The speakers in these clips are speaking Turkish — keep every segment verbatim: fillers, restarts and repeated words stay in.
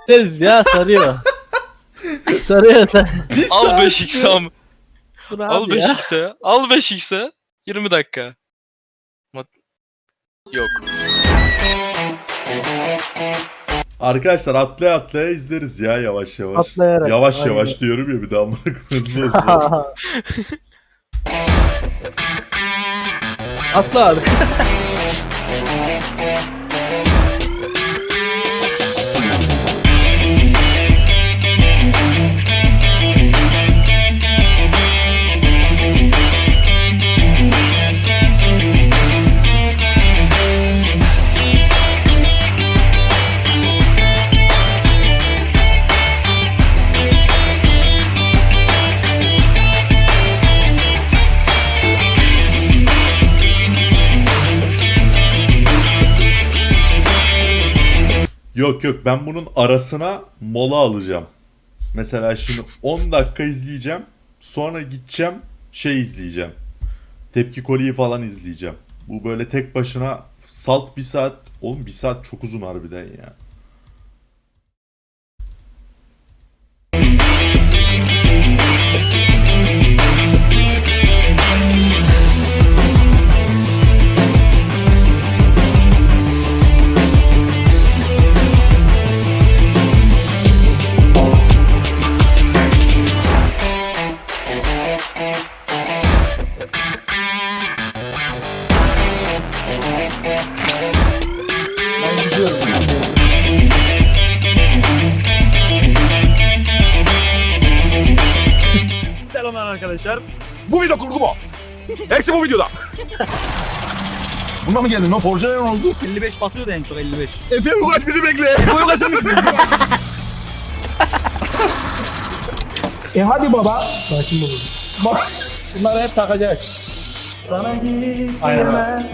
Deriz ya, sarıyor. Sarıyor sen. Bir Al saat beş x mi? am. Dur Al abi ya. beş x'e. Al beş x'e. yirmi dakika. Mat- Yok. Arkadaşlar atlaya atlaya izleriz ya yavaş yavaş. Atlayarak, Yavaş aynen. yavaş diyorum ya bir daha amına koyayım, hızlı hızlı. Atla abi. Yok yok, ben bunun arasına mola alacağım. Mesela şimdi on dakika izleyeceğim. Sonra gideceğim şey izleyeceğim. Tepki Koli'yi falan izleyeceğim. Bu böyle tek başına salt bir saat. Oğlum bir saat çok uzun harbiden ya. Ben gidiyorum. Selamlar arkadaşlar. Bu video kurgu mu? Hepsi bu videoda. Buna mı geldin? O Porsche'ye ne oldu? elli beş basıyordu en çok elli beş. Efe Ugaç bizi bekle. Bu yok açamıyorum. E hadi baba. Sakin olun. Bak. Bunları hep takacağız. Sana gitme. Aynen.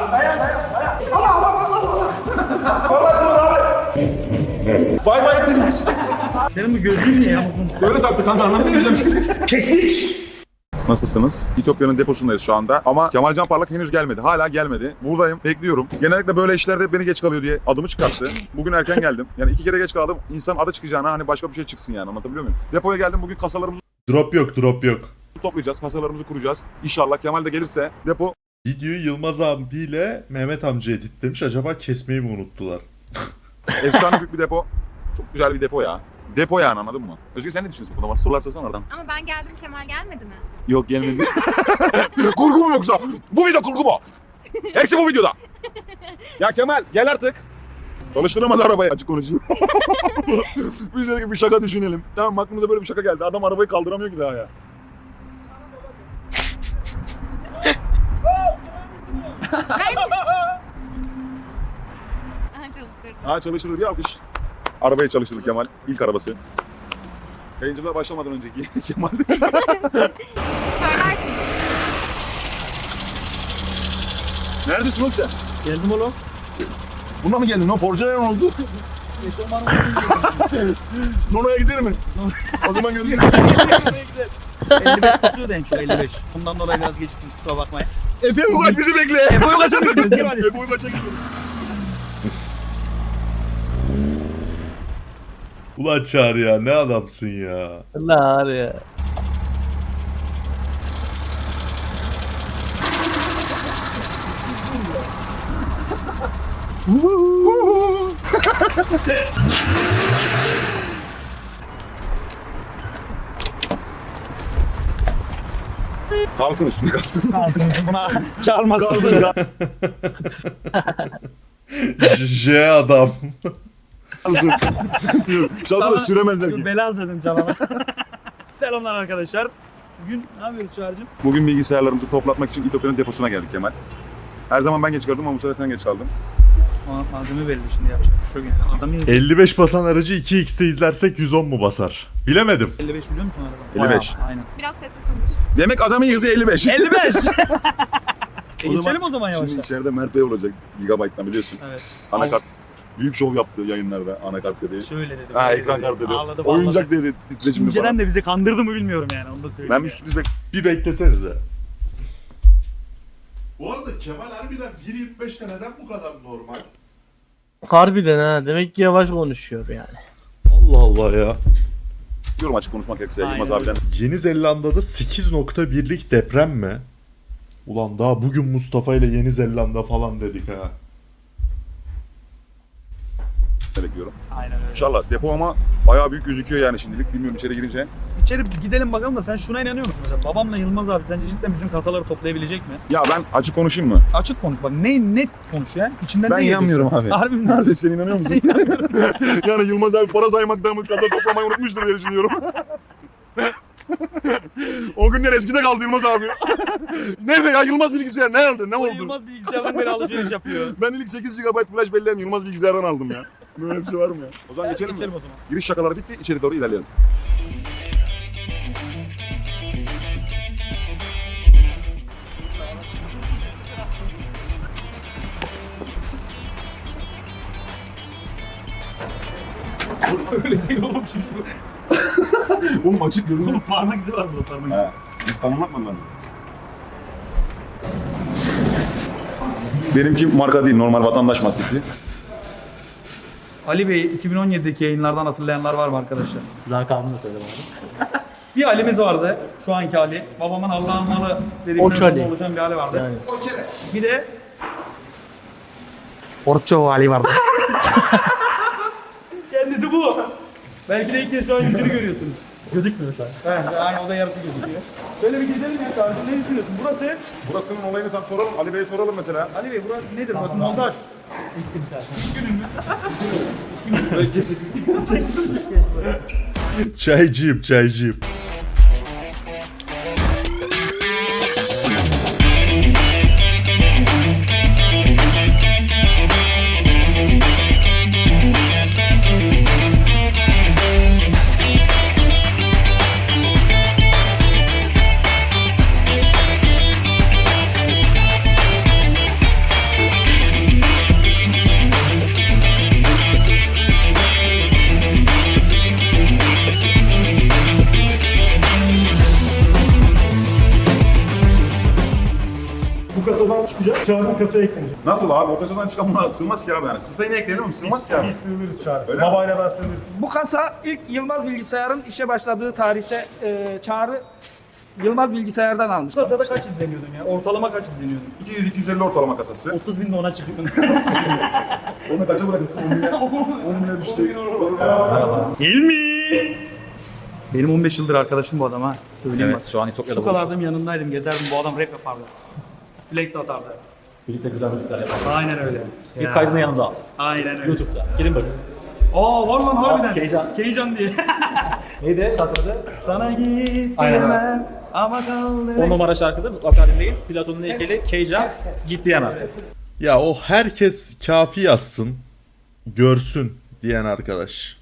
Bay bay ettik. Senin bu gözlüğün ne ya? Böyle taktı kanka, anladın mı? Kestik. Nasılsınız? İtopya'nın deposundayız şu anda ama Kemalcan Parlak henüz gelmedi. Hala gelmedi. Buradayım, bekliyorum. Genellikle böyle işlerde hep beni geç kalıyor diye adımı çıkarttı. Bugün erken geldim. Yani iki kere geç kaldım. İnsan adı çıkacağına hani başka bir şey çıksın yani, anlatabiliyor muyum? Depoya geldim, bugün kasalarımızı Drop yok, drop yok. toplayacağız, kasalarımızı kuracağız. İnşallah Kemal de gelirse depo Videoyu Yılmaz abiyle Mehmet amca editlemiş. Acaba kesmeyi mi unuttular? efsane büyük bir depo. Çok güzel bir depo ya. Depo yani, anladın mı? Özgür sen ne düşünüyorsun bu konuda? Sorular sorsana oradan. Ama ben geldim, Kemal gelmedi mi? Yok, gelmedi. Kurgu mu yoksa? Bu video kurgu mu? Hepsi bu videoda. Ya Kemal gel artık. Çalıştıramadı arabayı. Açık konuşayım. Biz dedik bir şaka düşünelim. Tamam, aklımıza böyle bir şaka geldi. Adam arabayı kaldıramıyor ki daha ya. Aha, çalıştırdım. Ha, çalıştırır ya, alkış. Arabayı çalıştırdı Kemal. İlk arabası. Yayıncılığa başlamadan önceki Kemal. Söylersin. Neredesin oğlum sen? Geldim oğlum. Buna mı geldin? O Porsche'ye ne oldu? Eşofmanım Nono'ya gider mi? O zaman gönder. elli beş basıyordu en çok elli beş. Bundan dolayı biraz geciktim, kusura bakmayın. Efe Ugaç bizi bekle. Efe Ugaç'a mı gidiyoruz? Gel hadi. Efe Ugaç'a gidiyoruz. Ulan Çağrı ya, ne adamsın ya. Allah var ya. Kalsın üstüne, kalsın. Buna çağırmaz. Kalsın, J adam. kalsın. Sıkıntı yok. Şansla süremezler ki. Bela dedim canına. Selamlar arkadaşlar. Bugün ne yapıyoruz Çağrı'cığım? Bugün bilgisayarlarımızı toplatmak için İtopya'nın deposuna geldik Kemal. Her zaman ben geç kaldım ama bu sefer sen geç kaldın. Ona malzeme verildi şimdi, yapacak bir şey yok yani. Azami hızı. elli beş basan aracı iki x'te izlersek yüz on mu basar? Bilemedim. elli beş biliyor musun araba? elli beş. Bayağı, aynen. Biraz sesli konuş. Demek azami hızı elli beş. elli beş. e O geçelim o zaman Şimdi yavaştan. içeride Mert Bey olacak. Gigabyte'dan biliyorsun. Evet. Anakart. Büyük şov yaptı yayınlarda, anakart dedi. Şöyle dedi. Ha, böyle ekran dedi. kartı dedi. Ağladı, Oyuncak bağladı. dedi titreşimli İnceden falan. de bizi kandırdı mı bilmiyorum yani, onu da söyleyeyim. Ben yani. bir sürpriz bek... Bir beklesenize. Bu arada Kemal harbiden bir yirmi beşte neden bu kadar normal? Harbiden ha. Demek ki yavaş konuşuyor yani. Allah Allah ya. Diyorum açık konuşmak gerekirse Aynen Yılmaz öyle. abiden. Yeni Zelanda'da sekiz nokta birlik deprem mi? Ulan daha bugün Mustafa ile Yeni Zelanda falan dedik ha. bekliyorum. Aynen öyle. İnşallah depo ama bayağı büyük gözüküyor yani şimdilik. Bilmiyorum içeri girince. İçeri gidelim bakalım da sen şuna inanıyor musun mesela? Babamla Yılmaz abi sence cidden bizim kasaları toplayabilecek mi? Ya ben açık konuşayım mı? Açık konuş bak. Ne net konuş ya. İçinden Ben ne inanmıyorum geliyorsun? abi. Harbi mi? Harbi sen inanıyor musun? Yani Yılmaz abi para saymaktan mı kasa toplamayı unutmuştur diye düşünüyorum. O günler eskide kaldı Yılmaz abi. Nerede ya Yılmaz bilgisayar? Nerede? Ne O oldu? Yılmaz bilgisayardan beri alışveriş yapıyor. Ben ilk sekiz gigabayt flash belleğimi Yılmaz bilgisayardan aldım ya. Böyle bir şey var mı ya? O zaman geçelim mi? Geçelim o zaman. Giriş şakaları bitti. İçeri doğru ilerleyelim. Öyle değil oğlum şu şu. Oğlum açık görünüyor. Oğlum parmak izi var burada parmak izi. He. Biz tamamlatmadılar mı? Benimki marka değil, normal vatandaş maskesi. Ali Bey iki bin on yedideki yayınlardan hatırlayanlar var mı arkadaşlar? Lakabını da söyle bana. Bir Ali'miz vardı. Şu anki Ali. Babamın Allah'ın malı dedikten Oç sonra Ali. oluşan bir Ali vardı. Yani. Bir de Orço Ali vardı. kendisi bu. Belki de ilk kez şu an yüzünü görüyorsunuz. Gözükmüyor şu an. Evet, aynı o da yarısı gözüküyor. Şöyle bir gezelim ya kardeşim. Ne düşünüyorsun? Burası Burasının olayını tam soralım. Ali Bey'e soralım mesela. Ali Bey burası nedir? Burası montaj. Kesin. Çaycıyım çaycıyım. Bu kasadan çıkacak, Çağrı'nın kasaya eklenecek. Nasıl abi? O kasadan çıkan buna sığmaz ki abi yani. Sığsa yine ekleyelim mi? Sığmaz ki abi. Biz sığınırız Çağrı. Öyle mi? Babayla ben sığınırız. Bu kasa ilk Yılmaz Bilgisayar'ın işe başladığı tarihte e, Çağrı Yılmaz Bilgisayar'dan almış. Bu kasada kaç izleniyordun ya? Ortalama kaç izleniyordun? iki yüz iki yüz elli ortalama kasası. otuz bin de ona çıktın. Onu kaça bırakırsın? on bine düştü. İlmi! Benim on beş yıldır arkadaşım bu adam ha. Söyleyeyim Evet, bak. şu an İtopya'da Şu kadardım yanındaydım, gezerdim. Bu adam rap yapardı. Flex atardı. Birlikte güzel müzikler yapalım. Aynen öyle. İlk Ya. kaydını yanında al. Aynen öyle. YouTube'da. Girin bakın. Aa var lan harbiden. Keycan. Keycan diye. Neydi şarkıda? Sana git Aynen öyle. diyemem ama kaldı. on numara şarkıda mutlaka dinleyin. Platon'un heykeli Keycan. Git diyemem. Ya o herkes kafi yazsın, görsün diyen arkadaş.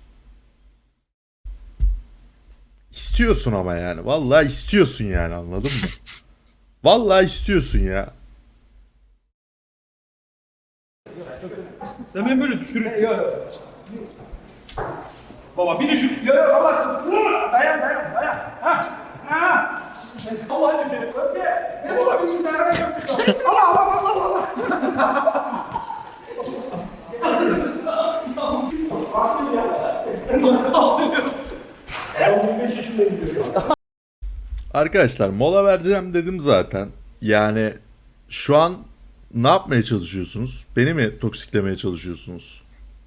İstiyorsun ama yani. Vallahi istiyorsun yani, anladın mı? Vallahi istiyorsun ya. Sen beni böyle düşürürsün. Yok yok. Baba bir düşün. Yok yok Allah. Dayan dayan dayan. Ha. Ha. Allah'ı düşün. Ne bu bilgisayara yapmışlar. Allah Allah Allah Allah. Arkadaşlar mola vereceğim dedim zaten. Yani şu an ne yapmaya çalışıyorsunuz? Beni mi toksiklemeye çalışıyorsunuz?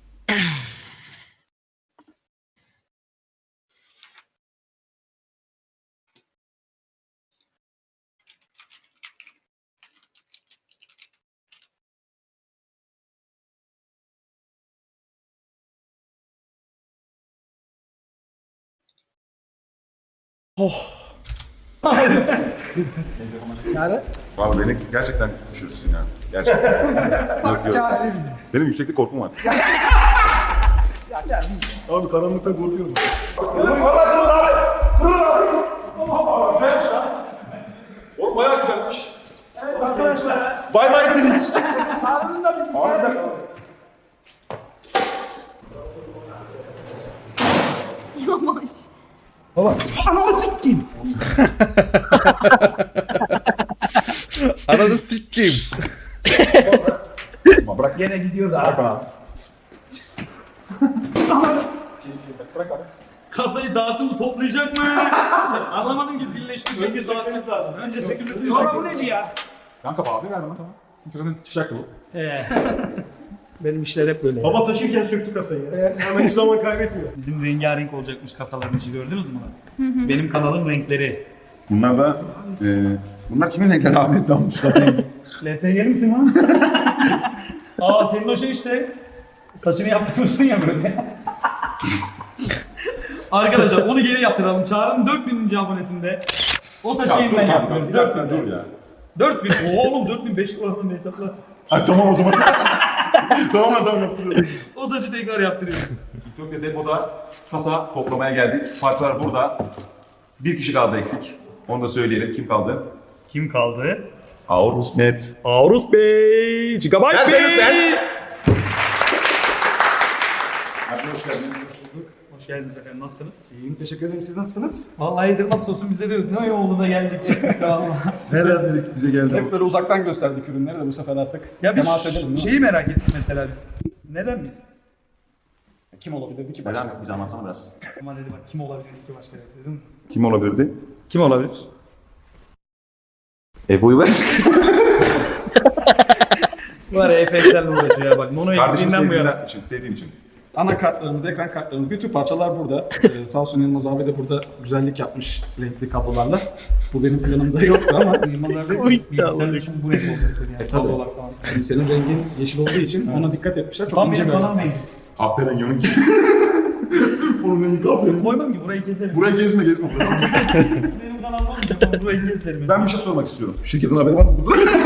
Abi beni gerçekten düşürürsün ya. Gerçekten. Yok yok. Benim yükseklik korkum var. Abi karanlıktan korkuyorum. Güzelmiş lan. Oğlum bayağı güzelmiş. Evet arkadaşlar. Bay bay Twitch. Yavaş. Ananı sikeyim. Ananı sikeyim. Bırak. Gene gidiyor da. Bırak abi. Kasayı dağıttım mı toplayacak mı? Anlamadım ki birleştirecek. Önce dağıtacağız lazım. Önce sökülmesi Sonra bu neci ya? Kanka abi ver bana tamam. Sıkıntı çıkacak bu. Benim işler hep böyle. Baba taşırken söktü kasayı. Hemen hiç zaman kaybetmiyor. Bizim rengarenk olacakmış kasaların içi gördünüz mü? Benim kanalın renkleri. Bunlar da e, bunlar kimin renkleri abi? Tamam şu kafayı. L P G'li misin lan? Aa senin o şey işte. Saçını yaptırmışsın ya böyle. Arkadaşlar onu geri yaptıralım. Çağrı'nın dört bininci abonesinde. O saçı yeniden yapıyoruz. dört bin. Dur ya. dört bin. Oğlum dört bin beş oradan hesapla. Ay tamam o zaman. tamam adam yaptırıyorum. O saçı tekrar yaptırıyoruz. Etiyopya depoda kasa toplamaya geldik. Parçalar burada. Bir kişi kaldı eksik. Onu da söyleyelim. Kim kaldı? Kim kaldı? Aurus Net. Aurus Bey. Gigabyte Ben, Bey. ben, ben. Abi hoş geldiniz. Hoş geldiniz efendim. Nasılsınız? İyiyim, teşekkür ederim. Siz nasılsınız? Vallahi iyidir. Nasıl olsun bize de ne oldu da geldik çıktık da valla. Nereden dedik bize geldi Hep böyle uzaktan gösterdik ürünleri de bu sefer artık. Ya biz temas edelim, değil mi? şeyi merak ettik mesela biz. Neden biz? Kim olabilirdi ki Neden? başka? Bize anlatsana biraz. Ama dedi bak kim olabilir ki başka dedim. Kim olabilirdi? Kim olabilir? Ebu'yu ver. Var ya Efe'yle uğraşıyor ya bak. Mono Kardeşim ekliğinden bu yana. sevdiğinden için, sevdiğim için. Anakartlarımız, ekran kartlarımız, bütün parçalar burada. Ee, sağ olsun Yılmaz abi de burada güzellik yapmış renkli kablolarla. Bu benim planımda yoktu ama Yılmazlarda bilgisayarda şu bu renk oldu. Yani tablolar falan. şimdi senin rengin yeşil olduğu için ona dikkat etmişler. Çok Tam ince benim bir kanal açı. rengi. Aferin yonun ki. Bunun rengi aferin. Koymam ki burayı keselim. Buraya gezme gezme. Benim kanalım olmayacak ama burayı keselim. Ben bir şey sormak istiyorum. Şirketin haberi var mı?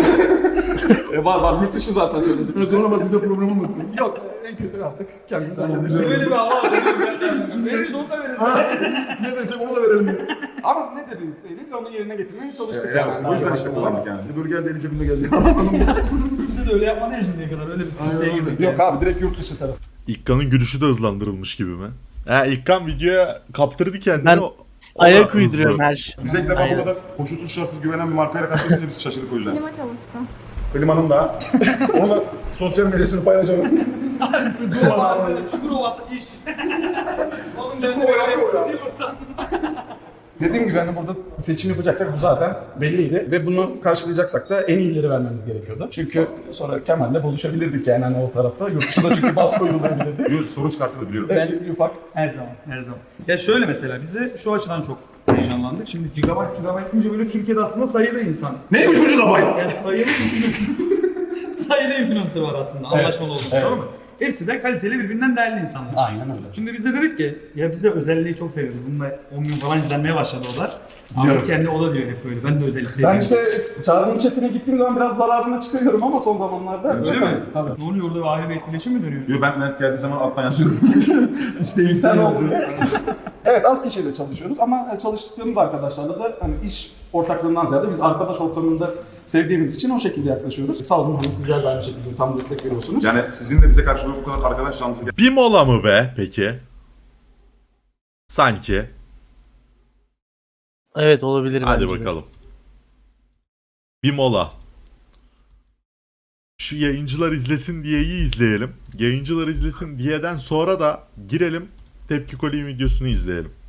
E, var var, yurt dışı zaten söyledim. Sonra bak bize problem olmasın. Yok, en kötü artık kendimiz halledeceğiz. Böyle bir hava var. Veririz onu da veririz. Ne desek onu da verelim diye. Ama ne dediyseniz onu yerine getirmeye çalıştık. Yani, yani. o yüzden işte kullandık yani. Böyle geldi eli cebinde geldi. Bizde de öyle yapmadı ya şimdiye kadar. Öyle bir sıkıntıya girdik. Yok abi, direkt yurt dışı tarafı. İlkan'ın gülüşü de hızlandırılmış gibi mi? Ha, İlkan videoya kaptırdı kendini. Ben o- o Ayak da uyduruyorum hızlı. her şey. Bize ilk defa Aynen. bu kadar koşulsuz şartsız güvenen bir markayla karşılaşınca biz şaşırdık o yüzden. Klima çalıştı. Klimanın da. Onu da sosyal medyasını paylaşalım. Çukur ovası iş. Oğlum ben de Çukur ovası böyle ya. silversan. Dediğim gibi hani burada seçim yapacaksak bu zaten belliydi ve bunu karşılayacaksak da en iyileri vermemiz gerekiyordu. Çünkü sonra Kemal'le bozuşabilirdik yani hani o tarafta. Yurt dışında çünkü baskı uygulayabilirdi. Yüz soru çıkarttı biliyorum. Belli bir ufak. Her zaman, her zaman. Ya şöyle mesela bize şu açıdan çok heyecanlandık. Şimdi gigabyte gigabyte deyince böyle Türkiye'de aslında sayılı insan. Neymiş bu gigabyte? Yani sayılı sayılı influencer var aslında anlaşmalı olduğumuz evet. tamam mı? Hepsi de kaliteli birbirinden değerli insanlar. Aynen öyle. Şimdi biz de dedik ki ya bize özelliği çok seviyoruz. Bununla on bin falan izlenmeye başladı o da. Ama kendi o da diyor hep böyle. Ben de özellik seviyorum. Ben işte Çağrı'nın chatine gittiğim zaman biraz zararına çıkıyorum ama son zamanlarda. Öyle mi? Tabii. Ne oluyor orada bir ayrı bir etkileşim mi dönüyor? Diyor ben net geldiği zaman alttan yazıyorum. İsteği Sen isteği oldun. yazıyorum. Evet, az kişiyle çalışıyoruz ama çalıştığımız arkadaşlarla da hani iş ortaklığından ziyade biz arkadaş ortamında sevdiğimiz için o şekilde yaklaşıyoruz. Sağ olun, hani sizler de aynı şekilde tam destek veriyorsunuz. Yani sizin de bize karşı bu kadar arkadaş canlısı Bir mola mı be peki? Sanki. Evet olabilir Hadi bence de. bakalım. Bir mola. Şu yayıncılar izlesin diyeyi izleyelim. Yayıncılar izlesin diyeden sonra da girelim Tepki Koli'nin videosunu izleyelim.